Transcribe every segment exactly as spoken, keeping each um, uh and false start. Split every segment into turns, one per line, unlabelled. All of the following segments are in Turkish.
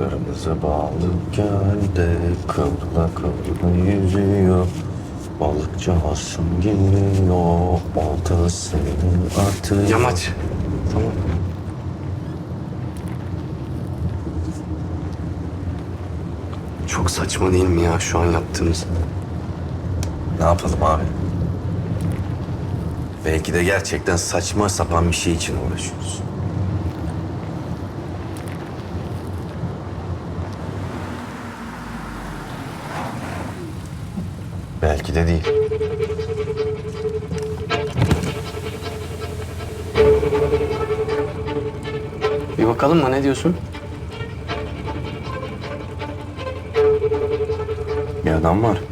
Kırmızı balık gölde kıvrıla kıvrıla yüzüyor. Balıkçı Hasan geliyor, oltasını atıyor.
Yamaç. Tamam. Çok saçma değil mi ya şu an yaptığımız?
Ne yapalım abi? Belki de gerçekten saçma sapan bir şey için uğraşıyoruz. Belki de değil.
Bir bakalım mı, ne diyorsun?
Bir adam var.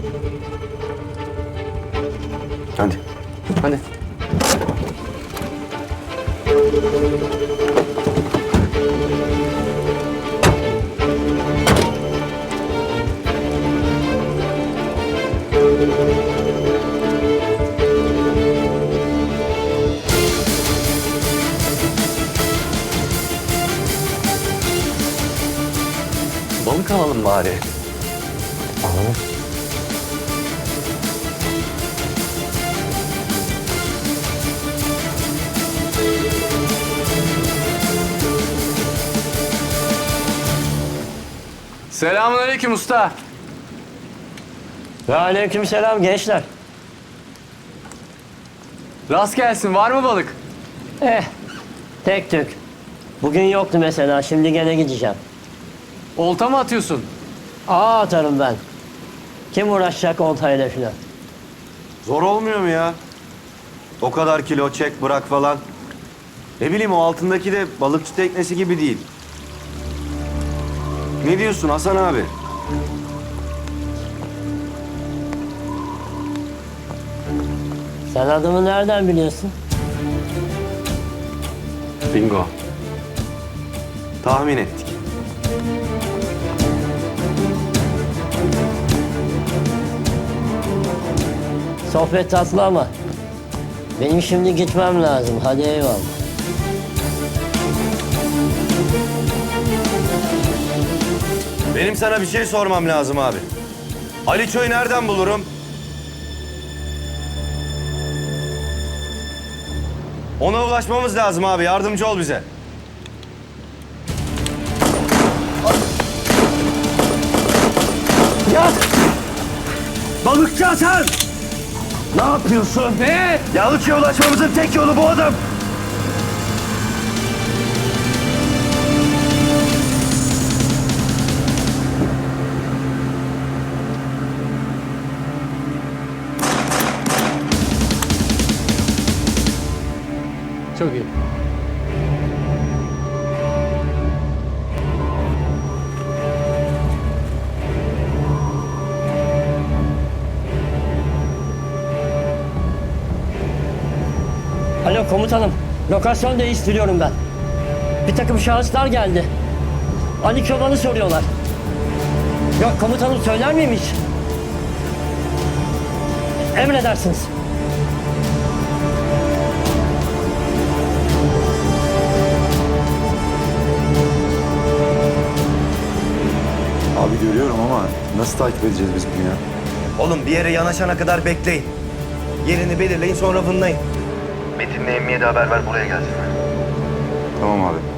Hadi.
Hadi. Balık alalım bari.
Alalım.
Selamünaleyküm usta.
Ve aleykümselam gençler.
Rast gelsin, var mı balık?
Eh, tek tük. Bugün yoktu mesela, şimdi gene gideceğim.
Olta mı atıyorsun?
Ağa atarım ben. Kim uğraşacak oltayla filan?
Zor olmuyor mu ya? O kadar kilo çek bırak falan. Ne bileyim, o altındaki de balıkçı teknesi gibi değil. Ne diyorsun Hasan abi?
Sen adımı nereden biliyorsun?
Bingo.
Tahmin ettik.
Sohbet tatlı ama benim şimdi gitmem lazım. Hadi eyvallah.
Benim sana bir şey sormam lazım abi. Ali Çoy'u nereden bulurum? Ona ulaşmamız lazım abi. Yardımcı ol bize.
Ya!
Balıkçı Hasan! Ne yapıyorsun?
Ne?
Yalıç'a ulaşmamızın tek yolu bu adam.
Çok iyi.
Alo komutanım, lokasyon değiştiriyorum ben. Bir takım şahıslar geldi. Ali Çoban'ı soruyorlar. Yok komutanım, söyler miyim hiç? Emredersiniz.
Abi görüyorum ama nasıl takip edeceğiz biz bunu ya?
Oğlum bir yere yanaşana kadar bekleyin. Yerini belirleyin, sonra fınlayın.
Tamam abi.